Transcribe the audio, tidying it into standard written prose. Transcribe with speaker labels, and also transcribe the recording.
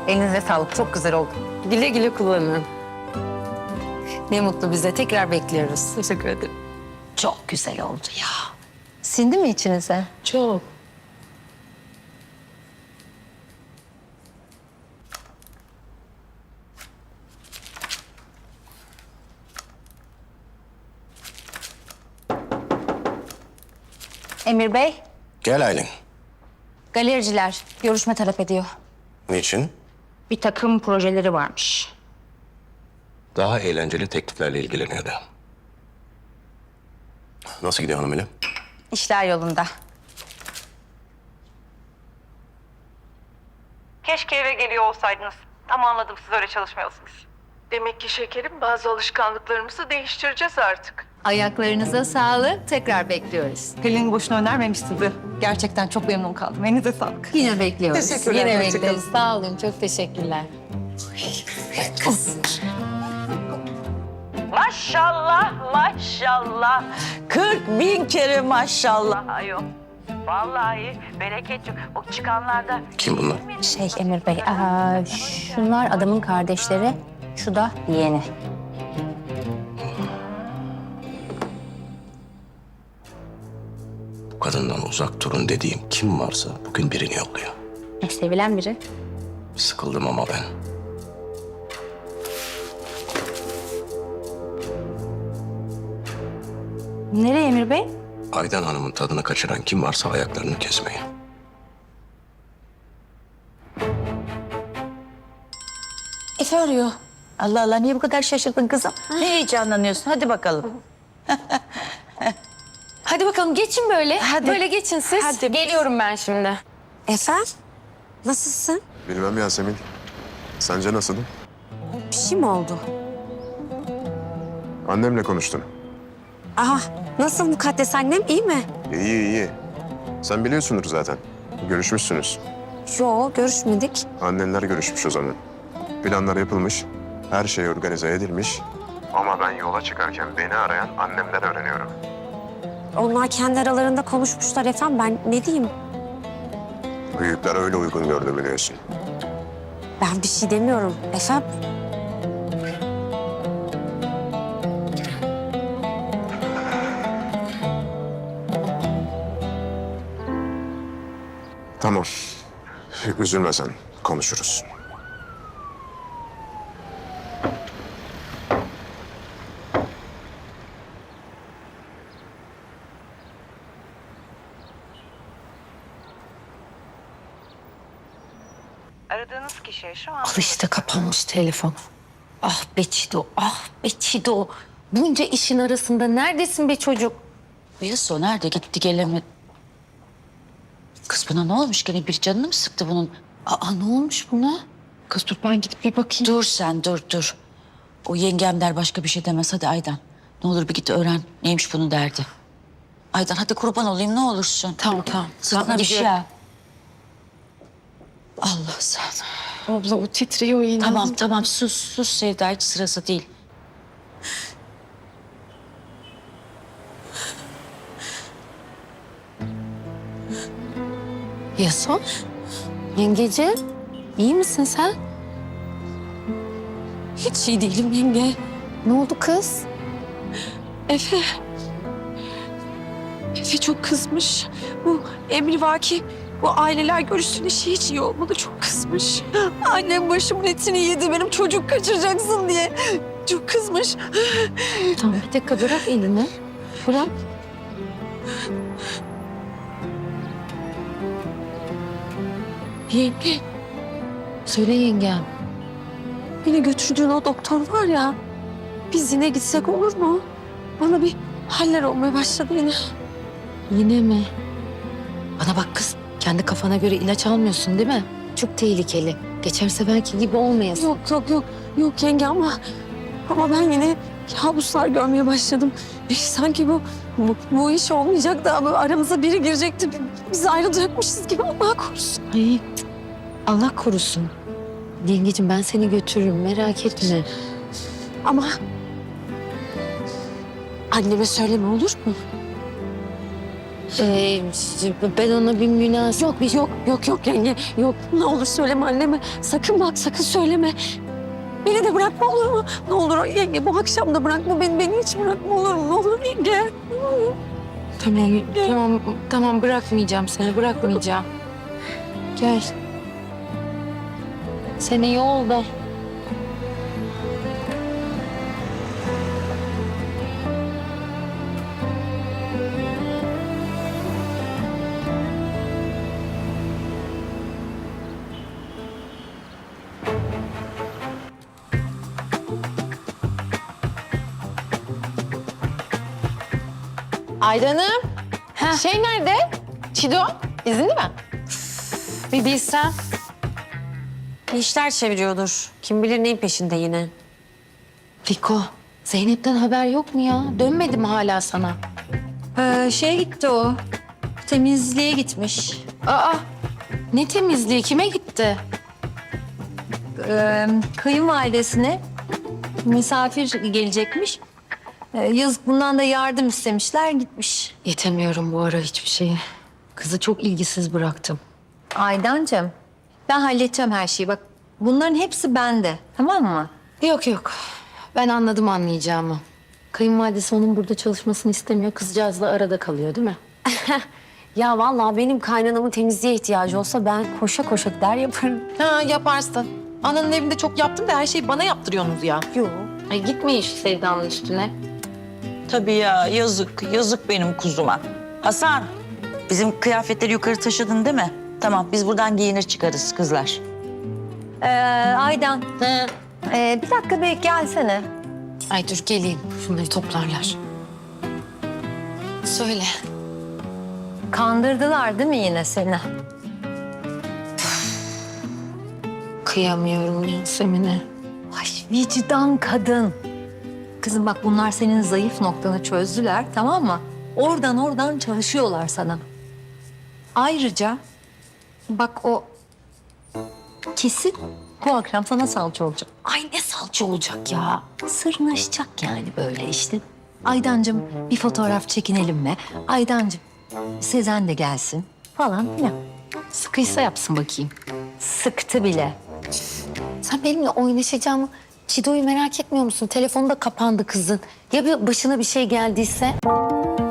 Speaker 1: Elinize sağlık. Çok güzel oldu.
Speaker 2: Güle güle kullanın.
Speaker 1: Ne mutlu bize. Tekrar bekliyoruz.
Speaker 2: Teşekkür ederim.
Speaker 1: Çok güzel oldu ya. Sindi mi içinize?
Speaker 2: Çok.
Speaker 3: Emir Bey,
Speaker 4: Gel Aylin.
Speaker 3: galericiler görüşme talep ediyor.
Speaker 4: Niçin?
Speaker 3: Bir takım projeleri varmış.
Speaker 4: Daha eğlenceli tekliflerle ilgileniyordu. Nasıl gidiyor hanım ile?
Speaker 3: İşler yolunda.
Speaker 5: Keşke eve geliyor olsaydınız. Ama anladım, siz öyle çalışmıyorsunuz. Demek ki şekerim, bazı alışkanlıklarımızı değiştireceğiz artık.
Speaker 1: Ayaklarınıza sağlık. Tekrar bekliyoruz.
Speaker 5: Pelin boşuna önermemiş sizi. Gerçekten çok memnun kaldım. Elinize sağlık.
Speaker 1: Yine bekliyoruz.
Speaker 5: Teşekkürler,
Speaker 1: Yine
Speaker 5: hoşça kalın.
Speaker 1: bekleriz. Sağ olun. Çok teşekkürler.
Speaker 6: Maşallah, maşallah. 40.000 kere maşallah ayol. Vallahi bereket yok. O çıkanlarda...
Speaker 4: Kim bunlar?
Speaker 3: Emir Bey, şunlar adamın kardeşleri, şu da yeğeni.
Speaker 4: Bu kadından uzak durun dediğim kim varsa bugün birini yolluyor.
Speaker 3: Sevilen biri.
Speaker 4: Sıkıldım ama ben.
Speaker 3: Nereye Emir Bey?
Speaker 4: Aydan Hanım'ın tadını kaçıran kim varsa ayaklarını kesmeye.
Speaker 3: Efe arıyor.
Speaker 6: Allah Allah, niye bu kadar şaşırdın kızım? Ne heyecanlanıyorsun? Hadi bakalım.
Speaker 2: Hadi bakalım geçin böyle.
Speaker 6: Hadi.
Speaker 2: Böyle geçin siz.
Speaker 6: Hadi.
Speaker 2: Geliyorum ben şimdi.
Speaker 7: Efe, nasılsın?
Speaker 8: Bilmem Yasemin. Sence nasılım?
Speaker 7: Bir şey mi oldu?
Speaker 8: Annemle konuştun.
Speaker 7: Aha, nasıl mukaddes annem, iyi mi?
Speaker 8: İyi iyi. Sen biliyorsundur zaten. Görüşmüşsünüz.
Speaker 7: Yo, görüşmedik.
Speaker 8: Annenler görüşmüş o zaman. Planlar yapılmış. Her şey organize edilmiş. Ama ben yola çıkarken beni arayan annemden öğreniyorum.
Speaker 7: Onlar kendi aralarında konuşmuşlar efendim, ben ne diyeyim?
Speaker 8: Büyükler öyle uygun gördü biliyorsun.
Speaker 7: Ben bir şey demiyorum efendim.
Speaker 8: Tamam. Üzülme sen. Konuşuruz.
Speaker 5: Aradığınız kişiye şu an...
Speaker 2: Al işte kapanmış telefon. Ah be Çido, ah be Çido. Bunca işin arasında neredesin be çocuk?
Speaker 6: Yaso nerede gitti gelemedi? Kız buna ne olmuş? Gene bir canını mı sıktı bunun?
Speaker 2: Aa ne olmuş buna? Kız dur ben gidip bir bakayım.
Speaker 6: Dur sen, dur. O yengem der başka bir şey demez. Hadi Aydan. Ne olur bir git öğren. Neymiş bunun derdi. Aydan hadi kurban olayım ne olursun.
Speaker 2: Tamam.
Speaker 6: Sana bir şey
Speaker 2: gidiyorum.
Speaker 6: yap. Allah sana.
Speaker 2: Abla o titriyor yine.
Speaker 6: Tamam sus Sevda, hiç sırası değil.
Speaker 2: Yason. Yengeciğim. İyi misin sen?
Speaker 7: Hiç iyi değilim yenge.
Speaker 2: Ne oldu kız?
Speaker 7: Efe. Efe çok kızmış. Bu emrivaki, bu aileler görüşsün işi hiç iyi olmadı, çok kızmış. Annem başımın etini yedi, benim çocuk kaçıracaksın diye. Çok kızmış.
Speaker 2: Tamam bir dakika bırak elini. Bırak.
Speaker 7: Yenge,
Speaker 2: Söyle yengem.
Speaker 7: beni götürdüğün o doktor var ya, biz yine gitsek olur mu? Bana bir haller olmaya başladı yine.
Speaker 2: Yine mi? Bana bak kız. Kendi kafana göre ilaç almıyorsun değil mi? Çok tehlikeli. Geçerse belki gibi olmayasın.
Speaker 7: Yok yenge ama ben yine kabuslar görmeye başladım. Sanki bu iş olmayacak da ama aramıza biri girecekti. Biz ayrılacakmışız gibi, Allah korusun.
Speaker 2: Ay, Allah korusun. Yengeciğim ben seni götürürüm merak etme.
Speaker 7: Ama anneme söyleme, olur mu?
Speaker 2: Ben ona bir münasebet...
Speaker 7: Yok yenge. Yok ne olur söyleme anneme. Sakın bak sakın söyleme. Beni de bırakma olur mu? Ne olur yenge bu akşam da bırakma beni hiç bırakma olur mu? Ne olur yenge.
Speaker 2: Tamam bırakmayacağım seni, bırakmayacağım. Gel. Seni yolda.
Speaker 1: Aydan'ım. Şey nerede? Çido. İzinli mi?
Speaker 2: Bir bilsem.
Speaker 7: Bir işler çeviriyordur. Kim bilir neyin peşinde yine.
Speaker 2: Fiko, Zeynep'ten haber yok mu ya? Dönmedi mi hala sana?
Speaker 1: Şeye gitti o. Temizliğe gitmiş.
Speaker 2: Aa, ne temizliği? Kime gitti?
Speaker 1: Kayınvalidesine misafir gelecekmiş. Yazık bundan da yardım istemişler gitmiş.
Speaker 2: Yetemiyorum bu ara hiçbir şeye. Kızı çok ilgisiz bıraktım.
Speaker 1: Aydancığım ben halledeceğim her şeyi. Bak bunların hepsi bende. Tamam mı?
Speaker 2: Yok. Ben anladım anlayacağımı. Kayınvalidesi onun burada çalışmasını istemiyor. Kızcağız da arada kalıyor değil mi?
Speaker 7: Ya vallahi benim kaynanamın temizliğe ihtiyacı olsa ben koşa koşa gider yaparım.
Speaker 9: Ha yaparsın. Ananın evinde çok yaptım da her şeyi bana yaptırıyorsunuz ya.
Speaker 7: Yok.
Speaker 2: Ay gitme iş Sevda'nın üstüne.
Speaker 6: Tabii ya yazık benim kuzuma. Hasan bizim kıyafetleri yukarı taşıdın değil mi? Tamam biz buradan giyinir çıkarız kızlar.
Speaker 1: Aydan. Bir dakika bir gelsene.
Speaker 2: Ay dur geleyim. Şunları toplarlar. Söyle.
Speaker 1: Kandırdılar değil mi yine seni?
Speaker 2: Kıyamıyorum Yasemin'e.
Speaker 1: Ay vicdan kadın. Kızım bak bunlar senin zayıf noktanı çözdüler tamam mı? Oradan çalışıyorlar sana. Ayrıca bak o kesin bu akşam sana salça olacak.
Speaker 2: Ay ne salça olacak ya.
Speaker 1: Sırnaşacak yani böyle işte. Aydancığım bir fotoğraf çekinelim mi? Aydancığım Sezen de gelsin falan filan.
Speaker 2: Sıkıysa yapsın bakayım.
Speaker 1: Sıktı bile.
Speaker 2: Sen benimle oynaşacağımı Çido'yu merak etmiyor musun? Telefonu da kapandı kızın. Ya bir başına bir şey geldiyse?